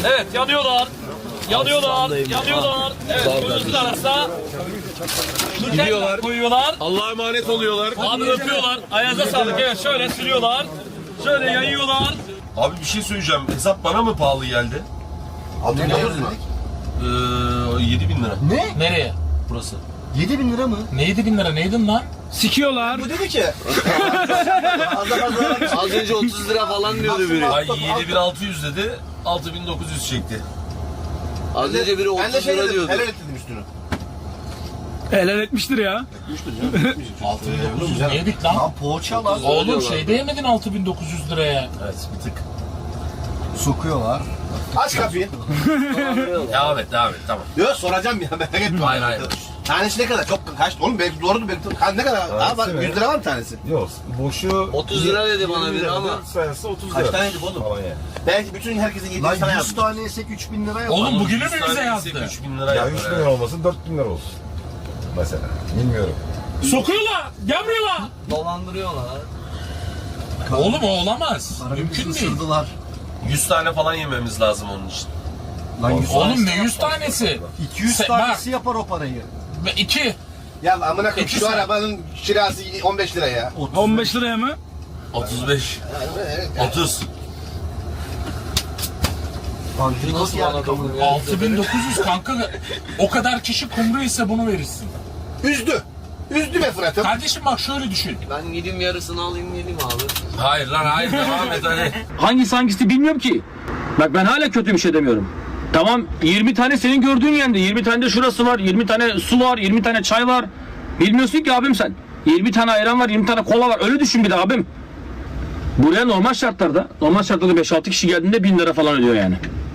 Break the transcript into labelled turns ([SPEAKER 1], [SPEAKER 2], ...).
[SPEAKER 1] Evet yanıyorlar. Yanıyorlar. Yanıyorlar. Evet gözümüzün arasına.
[SPEAKER 2] Gidiyorlar.
[SPEAKER 1] Koyuyorlar.
[SPEAKER 2] Allah'a emanet oluyorlar.
[SPEAKER 1] Abi öpüyorlar. Ayağınıza sağlık. Evet şöyle sürüyorlar. Şöyle yayıyorlar.
[SPEAKER 2] Abi bir şey söyleyeceğim. Hesap bana mı pahalı geldi?
[SPEAKER 3] 6.900 mu?
[SPEAKER 2] 7.000 lira.
[SPEAKER 3] Ne?
[SPEAKER 1] Nereye?
[SPEAKER 2] Burası.
[SPEAKER 3] 7.000 lira mı?
[SPEAKER 1] Ne 7.000 lira neydin lan?
[SPEAKER 4] Sikiyorlar.
[SPEAKER 3] Bu dedi ki.
[SPEAKER 5] Az önce 30 lira falan diyordu biri.
[SPEAKER 2] Ay 7.600 dedi. 6.900 çekti.
[SPEAKER 5] Az önce biri
[SPEAKER 3] Ben de
[SPEAKER 5] 30
[SPEAKER 3] şey
[SPEAKER 5] lira
[SPEAKER 3] dedim.
[SPEAKER 5] diyordu.
[SPEAKER 3] Helal et dedim üstünü.
[SPEAKER 4] Helal etmiştir ya.
[SPEAKER 1] 6.900 yedik lan.
[SPEAKER 3] Lan poğaça lan.
[SPEAKER 1] Oğlum şeyde yemedin 6.900 liraya.
[SPEAKER 2] Evet bir tık.
[SPEAKER 3] Sokuyorlar. Aç kapıyı.
[SPEAKER 2] Devam et tamam.
[SPEAKER 3] Yok soracağım ya merak etme.
[SPEAKER 2] Hayır.
[SPEAKER 3] Tanesi ne kadar? Çok kaç? Oğlum belki doğrudur belki. Ne kadar? Aa bak 100 lira var mı tanesi?
[SPEAKER 6] Yok, boşu
[SPEAKER 5] 30 lira dedi bana biri ama.
[SPEAKER 6] sayısı 30 lira.
[SPEAKER 3] Kaç taneydi bu oğlum?
[SPEAKER 6] Falan yani.
[SPEAKER 3] Belki bütün herkesin yediği sana yazmış. 100 tane yesek 3.000 lira yapar.
[SPEAKER 1] Oğlum bugünü mü
[SPEAKER 2] 100
[SPEAKER 1] bize
[SPEAKER 2] tane
[SPEAKER 1] yazdı?
[SPEAKER 2] yesek 3.000 lira
[SPEAKER 6] Ya
[SPEAKER 2] yapar.
[SPEAKER 6] 3 bin lira olmasın 4 bin lira olsun. Mesela. Bilmiyorum.
[SPEAKER 1] Sokuyorlar. Gelmiyorlar.
[SPEAKER 5] Dolandırıyorlar.
[SPEAKER 1] Oğlum o olamaz. Mümkün değil.
[SPEAKER 3] Isırdılar.
[SPEAKER 2] 100 tane falan yememiz lazım onun için.
[SPEAKER 3] Lan 100
[SPEAKER 1] Oğlum ne 100 tanesi?
[SPEAKER 3] 200
[SPEAKER 1] Bak.
[SPEAKER 3] tanesi yapar o parayı.
[SPEAKER 1] 2.
[SPEAKER 3] Ya amına koyayım şu arabanın kirası 15 lira ya.
[SPEAKER 4] 15 liraya mı?
[SPEAKER 2] 35. 30.
[SPEAKER 5] Nasıl bana dokunmuyor?
[SPEAKER 1] 6900 kanka. O kadar kişi kumru ise bunu verirsin.
[SPEAKER 3] Üzdü. Üzdü be Fırat'ım.
[SPEAKER 1] Kardeşim bak şöyle düşün.
[SPEAKER 5] Ben gideyim yarısını alayım geleyim abi.
[SPEAKER 2] Hayır lan hayır devam et hadi.
[SPEAKER 7] Hangisi bilmiyorum ki. Bak ben hala kötü bir şey demiyorum. Tamam 20 tane senin gördüğün yerde, 20 tane de şurası var, 20 tane su var, 20 tane çay var. Bilmiyorsun ki abim sen. 20 tane ayran var, 20 tane kola var. Öyle düşün bir de abim. Buraya normal şartlarda 5-6 kişi geldiğinde 1000 lira falan ödüyor yani.